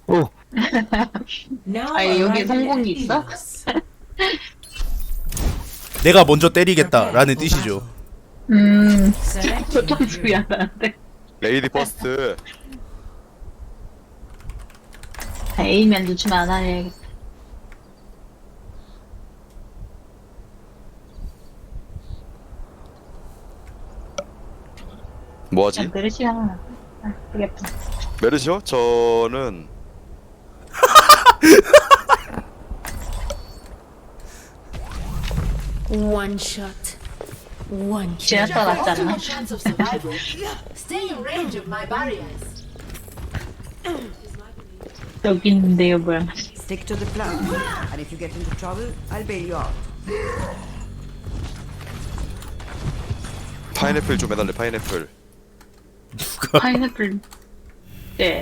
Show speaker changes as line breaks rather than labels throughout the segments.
오,
아니 여기 성공이 있어?
내가 먼저 때리겠다라는 뜻이죠.
보통 소리 안 나는데.
레이디 퍼스트.
A면 놓치면 안 하려야겠다.
뭐하지?
그냥 메르시랑 되겠다.
메르시요? 저는
One shot. One kill.
지났다 낫지 않나?
Chance of survival. Stay in range of my barriers.
여기 있는데요 뭐야.
Stick to the plan. And if you get into trouble, I'll bail you out.
파인애플 좀 해달래. 파인애플.
파인애플. 네.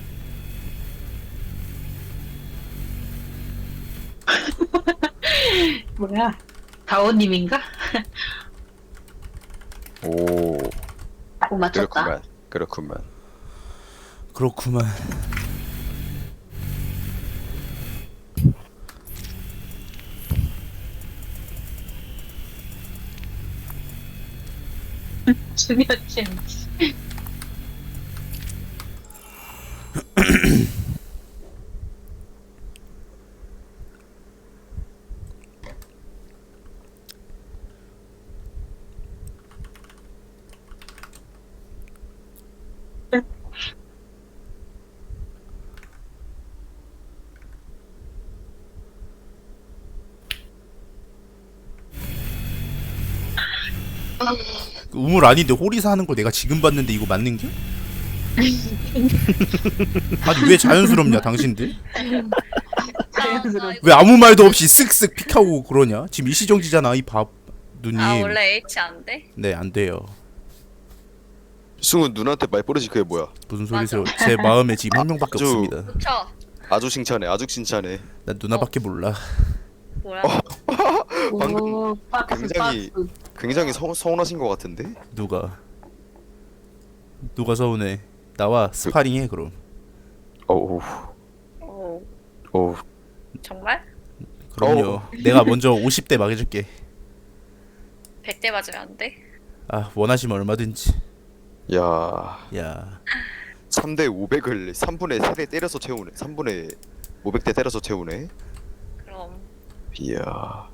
뭐야? 다오님인가?
오,
오 맞췄다.
그렇구만.
그렇구만.
중요침.
우물 아닌데 호리사 하는 거 내가 지금 봤는데 이거 맞는 게? 아니 왜 자연스럽냐 당신들?
자연스러워.
왜 아무 말도 없이 쓱쓱 픽하고 그러냐? 지금 일시정지잖아 이 밥 누님.
아 원래 H 안 돼?
네 안 돼요.
승우 누나한테 말 버릇이 그게 뭐야?
무슨 소리세요? 제 마음에 지금 한 명밖에
아주-
없습니다.
그쵸?
아주 칭찬해. 아주 칭찬해.
난 누나밖에 몰라.
뭐야?
오, 박스
굉장히-
박스.
굉장히 서운하신 것 같은데?
누가 서운해? 나와 스파링해 그럼.
어우,
오
어우.
정말?
그럼요. 내가 먼저 50대 막 해줄게.
100대 맞으면 안 돼?
아 원하시면 얼마든지.
야,
야
3대 500을 3분의 3대 때려서 채우네. 3분의 500대 때려서 채우네.
그럼
이야.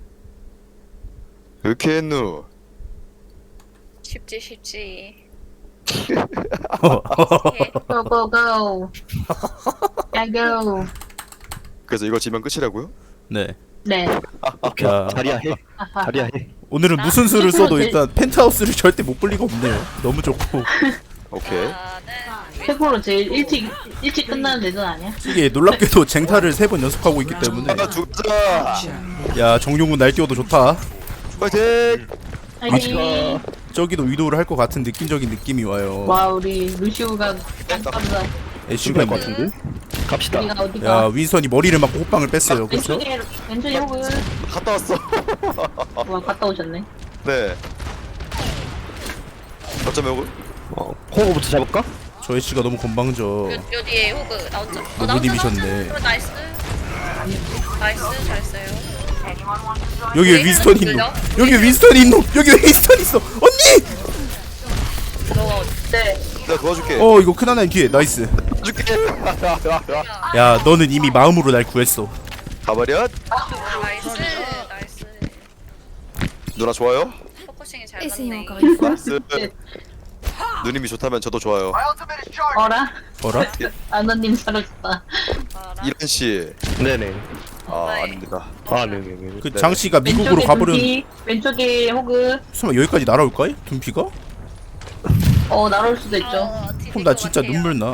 이렇게 했누?
쉽지
고고고. 야고.
그래서 이거 지면 끝이라고요?
네.
네.
야
자리야 해. 자리야 해.
오늘은 무슨 수를 써도 일단 펜트하우스를 절대 못 볼 리가 없네요. 너무 좋고
오케이.
나는
최고로 제일 일찍 끝나는 레전 아니야?
이게 놀랍게도 쟁탈을 3번 연속하고 있기 때문에.
하나 죽자.
야 정용훈 날뛰어도 좋다.
파이팅.
화이팅.
저기도 위도를 할 것 같은 느낌적인 느낌이 와요.
와 우리 루시우가 깜깜다.
애쉬가 있네.
갑시다.
우리가
야
어디가?
윈선이 머리를 맞고 호빵을 뺐어요. 그렇죠?
왼쪽에 혹은
갔다 왔어.
와 갔다 오셨네.
네. 어쩌면 이거
호구부터 잡을까?
저 애쉬가 너무 건방져.
요 뒤에 호그 나 혼자
노부님이셨네.
나이스 잘했어요.
여기 왜 윈스턴 있노? 여기 왜 윈스턴 있노? 여기 왜 윈스턴 있어? 언니!
너
네.
내가 도와줄게.
어 이거 큰하나의 기회. 나이스.
줄게.
야 너는 이미 마음으로 날 구했어.
가버려.
나이스
누나 좋아요?
포커싱이 잘
Essayons
맞네.
encore une fois.
나이스. 누님이 좋다면 저도 좋아요.
어라?
어라?
아너님 사라졌다.
이런 씨.
네네.
아
네.
아닙니다.
아, 네네네.
그 장씨가 미국으로
왼쪽에
가버렸.
둠피, 왼쪽에 호그.
설마 여기까지 날아올까? 둠피가?
날아올 수도 있죠.
그럼 나 진짜 눈물 나.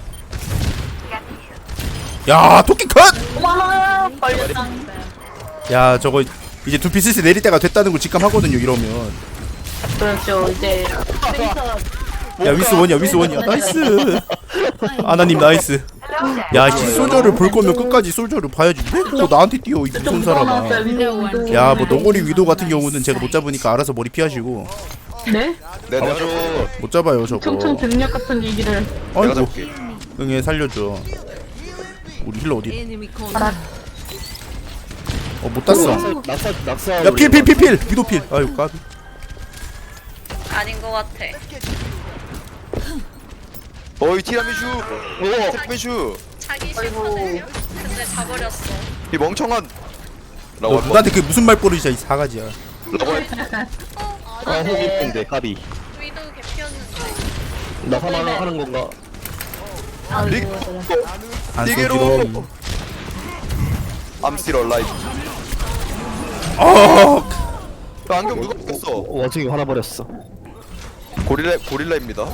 야 토끼 컷!
어머나 걸렸다.
야 저거 이제 둠피 슬슬 내릴 때가 됐다는 걸 직감하거든요 이러면.
그렇죠. 이제
야 윈스 원이야 윈스 원이야. 나이스. 아나님 나이스. 야 이 솔저를 볼 거면 끝까지 솔저를 봐야지. 왜 그거 나한테 뛰어 이 무슨 사람아. 야 뭐 너구리 위도 같은 경우는 제가 못 잡으니까 알아서 머리 피하시고.
네?
네, 내가 좀
못 잡아요 저거.
총총 등력 같은 얘기를.
내가
아이고
잡을게.
응애 살려줘. 우리 힐러 어디?
Enemy contact.
못 땄어.
낙사.
야 필 위도필. 아유 까비.
아닌 것 같아.
어이 티라미슈. 티라미슈.
자기 싫거든요. 근데 자버렸어.
이 멍청한.
너
라고 할
누나한테 그게 무슨 말버릇이야 이 사가지야.
라고 할
아 호기인데 까비.
위도 개피였는데.
나 사망하는 건가?
릭.
안
띠게로.
쏘지롱.
I'm still alive. 야, 안경 누가 꼈어?
원숭이 화나 버렸어.
고릴라입니다.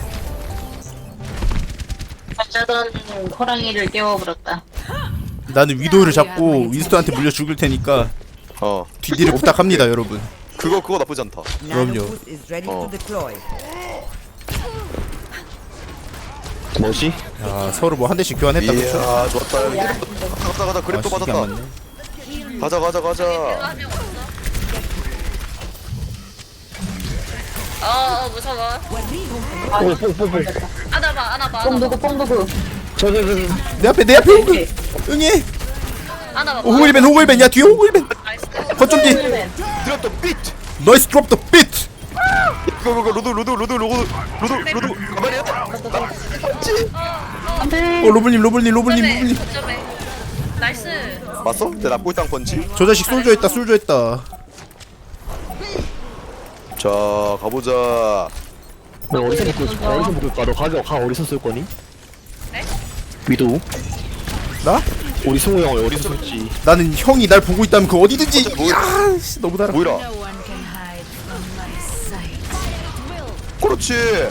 어쩌던 호랑이를 깨워버렸다.
나는 위도를 잡고 윈스턴한테 물려 죽을 테니까
어.
뒤뒤를 부탁합니다 여러분.
그거 나쁘지 않다.
그럼요.
Nano boost is ready to deploy.
뭐지?
야 서로 뭐 한 대씩 교환했다 그쵸?
이야 좋았다. 가자
아
그립도
시기 안
받았다.
맞네.
가자.
한명 없어. 무서워.
뽕.
안아봐.
뽕두구.
내 앞에 호글. 응애.
안아봐.
호글벤 야 뒤에 호글벤.
나이스.
거점 뒤.
드랍 더 비트.
너이스 드롭 더 비트.
그거 로드 가만히야.
로블님.
거점에. 나이스.
맞어? 내 납골당 펀치.
저 자식 솔저 했다.
자 가보자.
너 어디서 묶을까? 너 가 어디서 쓸 거니?
네?
위도.
나?
우리 승우 형 어디서 쓸지.
나는 형이 날 보고 있다면 그 어디든지.
뭐야?
야, 씨, 너무 달아.
모이라.
No one can hide from my sight.
그렇지.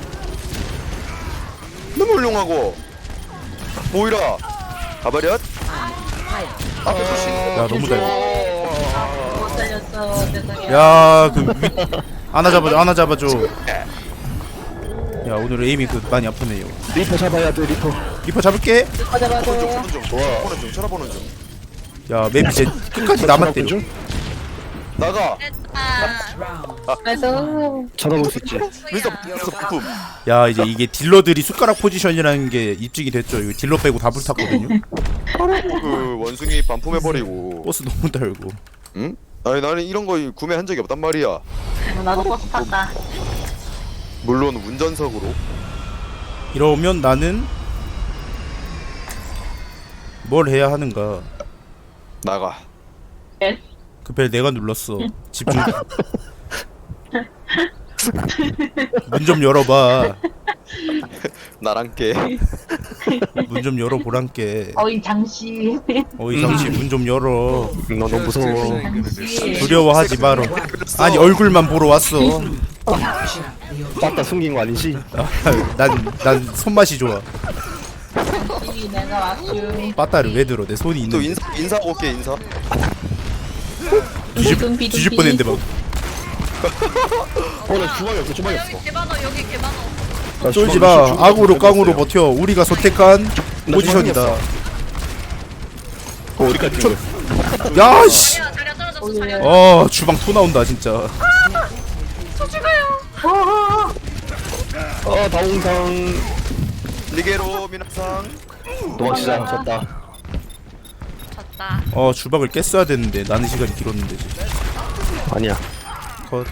너무 훌륭하고. 모이라. 가버렸. 앞에 푸시.
야 너무 달아.
못 살렸어. 죄송해요.
야그 하나 잡아줘. 야 오늘 에임이 많이 아프네요.
리퍼 잡아야 돼 리퍼.
리퍼 잡을게.
보는 중. 보는 중. 쳐다보는 중.
야 맵이 이제 끝까지 남았대.
나가.
그래서
찾아볼 수 있지.
윈서 부품.
야 이제 이게 딜러들이 숟가락 포지션이라는 게 입증이 됐죠. 이거 딜러 빼고 다 불탔거든요.
그 원숭이 반품해버리고.
버스 너무 달고.
응? 아니 나는 이런 거 구매한 적이 없단 말이야.
나도 버스 탔다.
물론 운전석으로.
이러면 나는 뭘 해야 하는가?
나가.
네.
그 벨 내가 눌렀어. 집중. 문 좀 열어봐.
나랑 깨.
문 좀 열어보란께.
어이 장씨.
어이 잠시 문 좀 열어.
너 너무 무서워.
두려워하지 마라. 아니 얼굴만 보러 왔어.
맞다 숨긴 거 아니지?
난 손맛이 좋아.
장씨 내가 왔슈.
빠따를 왜 들어? 내 손이
또
있는데.
인사 올게 인사.
뒤질 뻔했는데 막.
나 주방이 없어. 주방이 없어.
여기 개만어.
나
쫄지
주방-
마.
주방-
악으로 깡으로 버텨. 우리가 선택한 포지션이다.
어디까지 준 거야?
야 씨.
자리야 떨어졌어. 자리야.
주방 토 나온다 진짜.
다홍상
리게로 미나상.
도망치자. 졌다.
졌다.
주방을 깼어야 되는데 나는 시간이 길었는데.
아니야.
컷.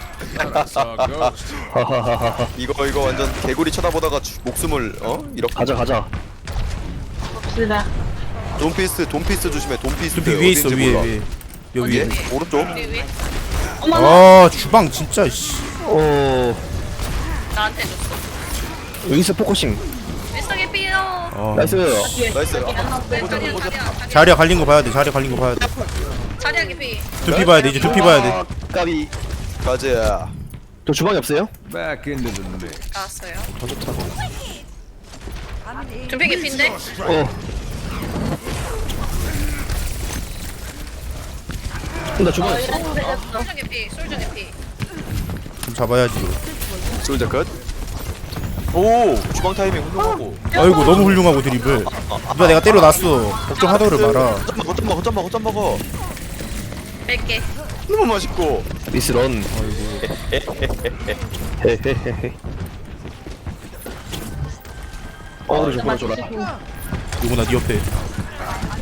하하하하.
이거 완전 개구리 쳐다보다가 목숨을 이렇게.
가자.
봅시다.
돈피스 조심해. 돈피스.
좀 위에 있어
어딘지 몰라.
위에. 여기 위에.
오른쪽.
위.
주방 진짜 씨.
나한테 줬어.
윈스 포커싱.
윈스턴 삐요.
나이스.
나이스.
자리야 갈린 거 봐야 돼. 자리야 갈린 거 봐야 돼.
자리야 개피.
두피 봐야 돼. 이제 두피 봐야 돼.
까비.
가자.
저 주방이 없어요?
나왔어요.
더 좋다.
준비 개피인데?
나 주방이 없어.
솔저 개피. 솔저 개피.
좀 잡아야지.
솔자 컷. 오 주방 타이밍 훌륭하고.
아이고 너무 훌륭하고 드리블. 누가 내가 때려놨어. 걱정하더를 마라.
거점 먹어.
뺄게.
너무 맛있고.
미스런. 헤헤헤헤. 그래 좀 보여줘라.
누구나 네 옆에.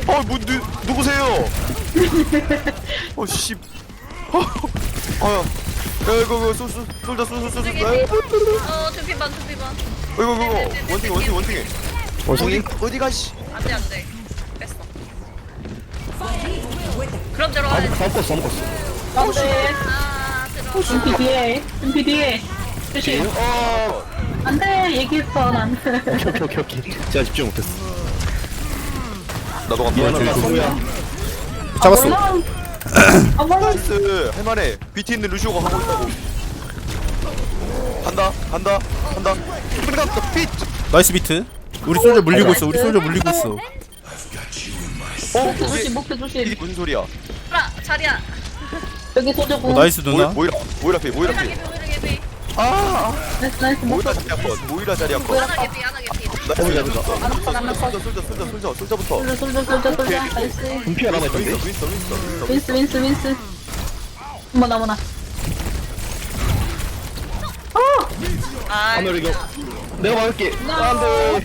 누구세요? 씨. 아야. 이거 쏠자.
두피반 두피반.
이거 원숭이.
원숭이?
어디가 씨.
안돼 뺐어. 그럼 들어와야지.
다 먹었어
안돼.
아 들어.
둠피 뒤에. 둠피 뒤에. 조심. 안돼. 얘기했어 난.
오케이 제가 집중 못했어
나도 간다.
미안하다 소야
잡았어.
어머.
나이스. 할만해. BT 있는 루시오가 하고 있다고. 간다. 빛.
나이스 비트. 우리 솔저 물리고 있어.
목표 조심. 목표
이게
조심.
무슨 소리야?
자리야.
여기 소저고.
나이스 누나.
모이라 피.
모이라게비.
나이스. 목표.
모이라 자리 한번.
하나게비.
솔저부터.
솔저. 나이스.
분피가 남아있던데?
윈스. 어머나.
아
하늘 이거 내가 막을게 안돼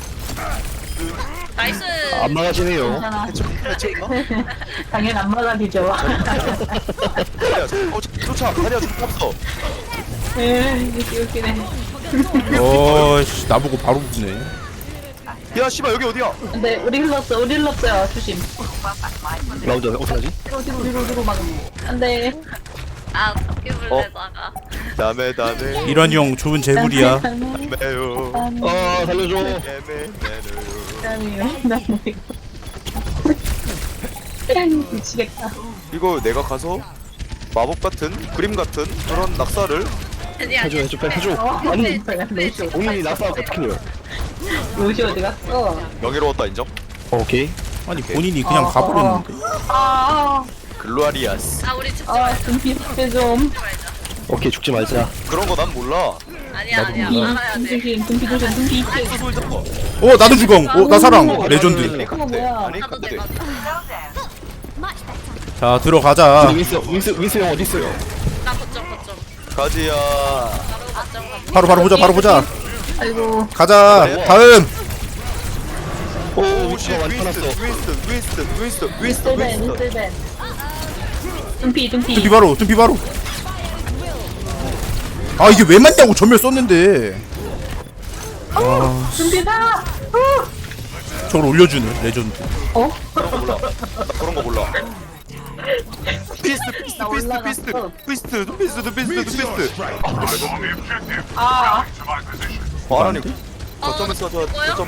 나이스.
안 막아지네요
괜찮아. 당연 안 막아지죠.
쫓아. 다리야 없어.
웃기네.
씨 나보고 바로 붙네.
야 씨발 여기 어디야?
근데 우리 흘렀어요. 조심.
라운드 어떡하지?
뒤로 막. 안돼.
아 바퀴벌레다가.
다음에.
이런 형 좋은 재물이야.
매요.
살려줘
미치겠다.
이거 내가 가서 마법 같은 그림 같은 그런 낙사를
해줘 빨리 해줘 아니 본인이 나서 어떻게 해요
로시 어디 갔어?
명예로웠다 인정.
오케이
아니 본인이 그냥 가버렸는데.
글로리아스.
아 우리 죽지 말자.
둠피 좀.
오케이 죽지 말자
그런 거 난 몰라.
아니야 알아야 돼.
둠피 둠피.
나도 죽엉. 나 사랑. 레전드.
그거 뭐야?
아니
나도
근데
내가.
자 들어가자.
윈스 형 어디 있어요?
나 거점.
가지야.
바로
바로 보자.
아이고.
가자. 다음.
오
윈스턴.
윈스벤. 둠피.
둠피 바로. 아 이게 왜 맞냐고 전멸 썼는데.
둠피다.
저걸 올려주네 레전드.
그런 거 몰라. 피스트. 아니 거점에서 거점.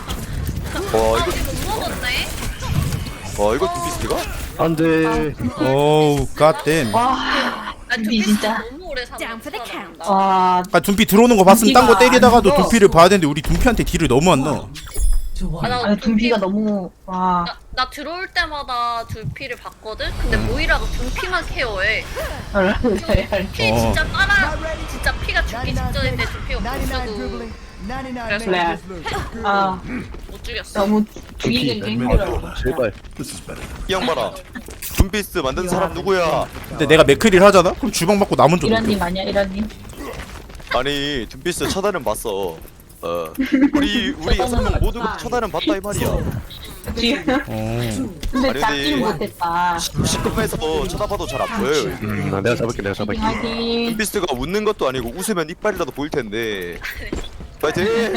이거 두피스트가?
안돼
오우 갓댐.
아
둠피 진짜.
너무 오래 사는 거.
와.
아 둠피 들어오는 거 봤으면 딴 거 때리다가도 둠피를 봐야 되는데 우리 둠피한테 딜을 너무 안 넣어.
아니 둠피가 너무 와.
나 들어올 때마다 두피를 봤거든? 근데 모이라도 두피만 케어해. 피 진짜 진짜 피가 죽기 직전인데 두피가 못 쓰고. 그래서
그래. 아
못 죽였어.
너무 죽이기 힘들어.
제발
이 형 봐라. 둠피스트 만든 사람 누구야?
근데 내가 맥크리를 하잖아? 그럼 주방 받고 남은 줄
이란님 아니야 이란님.
아니 둠피스트 쳐다는 봤어. 우리 6명 모두 쳐다는 봤다 이 말이야.
지금 근데
아니,
잡지를
근데-
못했다.
시급해서 쳐다봐도 잘 안 보여요.
내가 잡을게
하긴.
둠피스트가 웃는 것도 아니고 웃으면 이빨이라도 보일 텐데. 파이팅!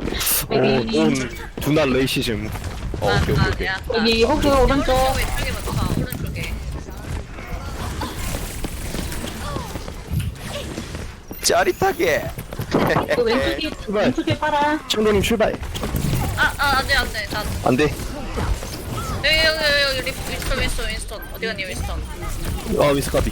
두날 레이시즘
오케이.
아니야.
여기 호그 오른쪽.
왼쪽에 맞춰. 오른쪽에.
짜릿하게.
그 왼쪽에 팔아.
청도님 출발
안돼. 나
안돼
여기 윈스턴. 어디 갔니 윈스턴?
윈스 까비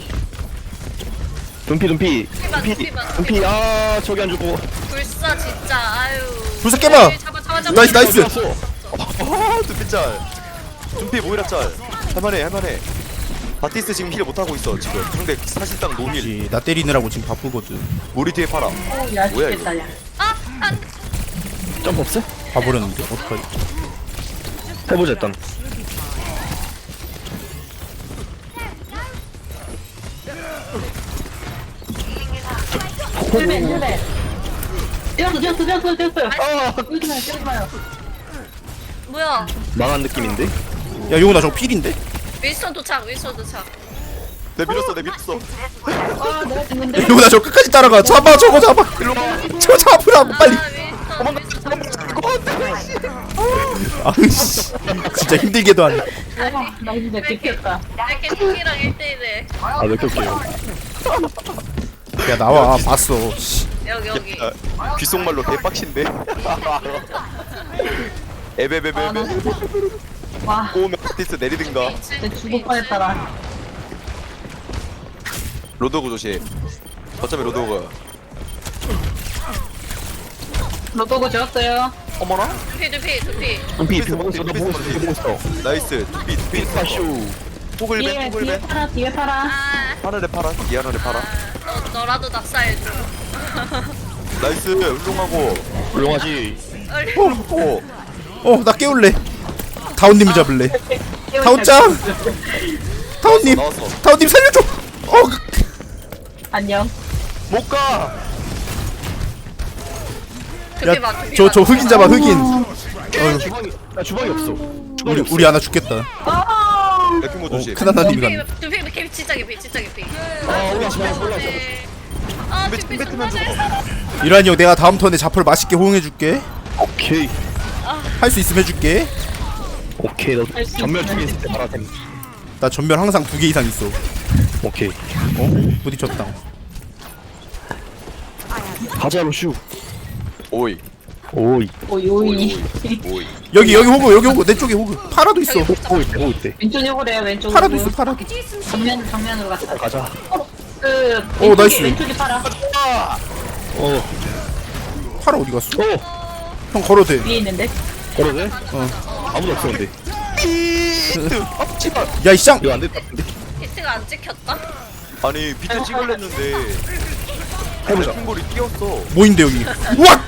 둠피 아 저기 안 죽고
불사 진짜 아유.
불사 깨봐.
잡아.
나이스.
둠피 짤. 둠피 모이라 짤. 할만해. 바티스트 지금 힐 못하고 있어 지금. 상대 사실상 노힐.
그렇지. 나 때리느라고 지금 바쁘거든.
우리 뒤에 팔아.
야
뭐야,
죽겠다 야.
안
점프 없어?
봐버렸는데 어떡하지?
해보자 일단
힐벤. 뛰었어요.
아
뛰지 마요.
뭐야?
망한 느낌인데?
야 용훈아 저거 필인데?
윈스턴 도착. 윈스턴 도착.
내 밀었어.
아 내가 죽는데.
야, 용훈아 저거 끝까지 따라가. 잡아 저거 잡아. 저거 잡으라고 빨리. 아씨 진짜 힘들게도 하네.
나 이제 들켰다.
이렇게 팀이랑 1대1에
아몇 개올게요.
야 나와 봤어. 씨.
여기.
귓속말로 개빡친데. 에베베베베.
와
오면 바티스 내리든가.
진짜 죽을 뻔했다라.
로드오그 조심. 어차피 로드오그.
로또고 지었어요.
어머나?
두피.
둠피 보고 있어. 나 보고 있어.
나이스. 두피
파쇼.
포글벤.
뒤에 팔아 뒤에 팔아.
아,
파라를 팔아. 미안하네 팔아.
너라도 낙사해줘.
나이스. 훌륭하고.
훌륭하지.
오.
나 깨울래. 다운님을 잡을래. 다운짱. 다운님.
나왔어.
다운님 살려줘.
안녕.
못 가.
두피 봐.
저 흑인 잡아 흑인.
주방이 나 주방이 없어.
우리 하나 죽겠다.
레킹보 조심.
큰 하나님이 갔네.
두피 개피 진짜 개피.
올라가 올라가.
아 두피 정말 잘 살아.
이란이 형 내가 다음 턴에 자포를 맛있게 호응해줄게.
오케이.
할 수 있으면 해줄게.
오케이. 너 전멸 중에 있을 때 말하셈.
나 전멸 항상 2개 이상 있어.
오케이.
부딪혔다.
가자 로슈.
오이.
오이.
오이.
여기 호그 내 쪽에 호그. 파라도 있어.
오이 때.
왼쪽에 호래요 왼쪽으로.
파라도 있어 파라도.
정면으로 갔다.
가자.
그
오, 나이스.
왼쪽에 팔아.
파라 어디 갔어?
오.
형 걸어도 돼.
위에 있는데.
걸어도 돼? 아무도 없어 근데.
야 이쌍.
이거 안 됐다.
히트가 안 찍혔다.
아니 비트 찍으려는데
해보자.
레킹볼이 끼었어.
뭐인데 여기? 우악!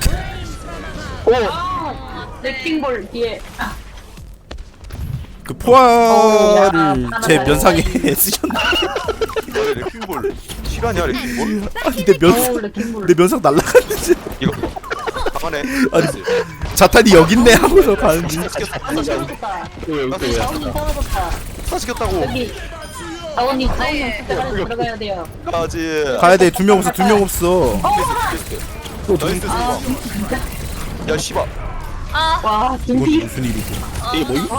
레킹볼 뒤에. 아,
그 포화를
야,
제
하나
면상에 쓰셨나?
아니 레킹볼 실화냐 레킹볼?
아니 내 면상
레킹볼.
내 면상 날라갔는지.
이거 가만해.
아니 자탄이 여기 있네 하고서 가는지.
사라졌다.
왜?
다운님 사라졌다.
다 시켰다고.
여기. 다운님 들어가야 돼요.
가지.
가야 돼. 2명 없어. 2명 없어.
나이스
아,
야 씨발.
와
이건
준비.
무슨 일이지?
이게 뭐임?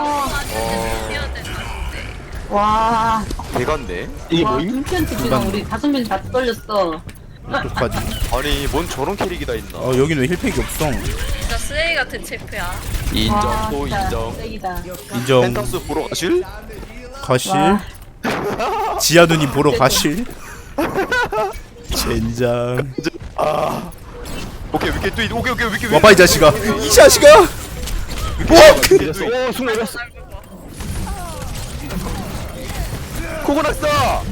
와.
대간데.
이게
와
뭐임?
챔피언 지금 우리 5명 다 떨렸어.
어떡하지?
아니 뭔 저런 캐릭이 다 있나.
여기는 왜 힐팩이 없어?
진짜 쓰레기 같은 챔프야.
인정 또
진짜
인정.
쓰레기다.
인정.
펜타스 보러 가실?
가실.
와.
지아 누님 보러 가실. 젠장.
오케이 위켓 또 오케이 위켓.
와봐 이 자식아. 이 자식아. 뭐?
오 순간 이랬어.
코고났어.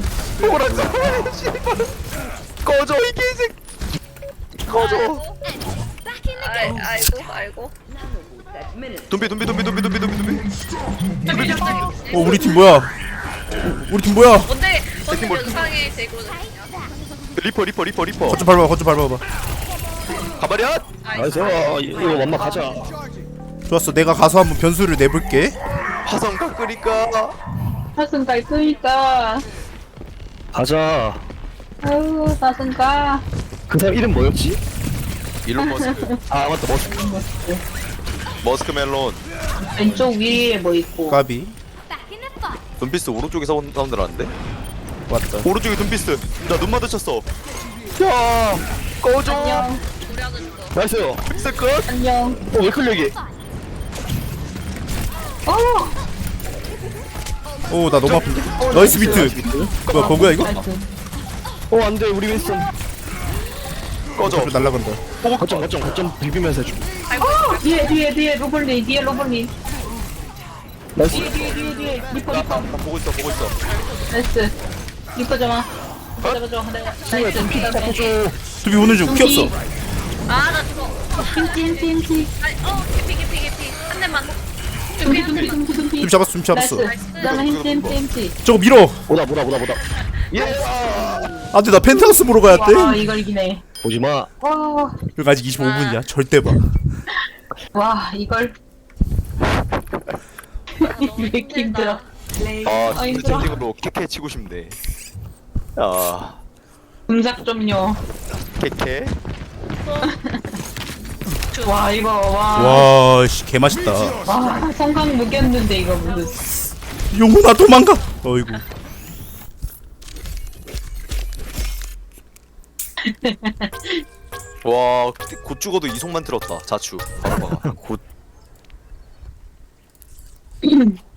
꺼져 이 개새끼. 꺼져.
아이고.
돈비.
우리 팀 뭐야? 우리 팀 뭐야?
뭔데 영상에 제고는요?
리퍼.
거좀 밟아봐.
가버려.
나이스. 이거 맘마 가자.
좋았어. 내가 가서 한번 변수를 내볼게.
화성 깎으니까.
사슴갈 끄니까.
가자.
아유 사슴가.
그 사람 이름 뭐였지?
일론 머스크.
아 맞다
머스크 멜론.
왼쪽 위에 뭐 있고.
까비.
돈피스 오른쪽에 사운드 나는데?
왔다.
오른쪽에 돈피스. 나 눈 마주쳤어. 야 꺼져.
안녕.
나이스.
피스 끝.
안녕.
왜 클릭이?
나 너무 아픈데. 나이스 비트. 뭐야 버그야 이거?
나이스.
안돼 우리 윈스턴.
꺼져.
앞으로 날라간다.
거점 비비면서 해줘.
뒤에 로블린.
나이스.
뒤에 리퍼.
보고 있어.
나이스. 리퍼 잡아. 잡아줘. 나이스. 그다음에
두비 오는 중 키웠어.
나 죽어.
찜.
개피. 한 대만.
둠피.
두비 잡았어.
나이스. 그다음에 찜.
저거 밀어.
보다.
안돼 나 펜타우스 보러 가야
와
돼.
이걸 이기네.
보지마.
와.
여기 아직 25분이야. 절대 봐.
와 이걸.
너무
왜 이렇게 힘들어?
힘들다.
아
힘들어.
채팅으로 캐캐 치고 싶네. 아
음작 좀요.
캐캐.
와 이거 와.
와씨 개맛있다.
와 성강 무겼는데 이거 무슨.
용훈아 도망가. 어이구.
와, 곧 죽어도 이속만 들었다. 자추. 바로 봐. 곧.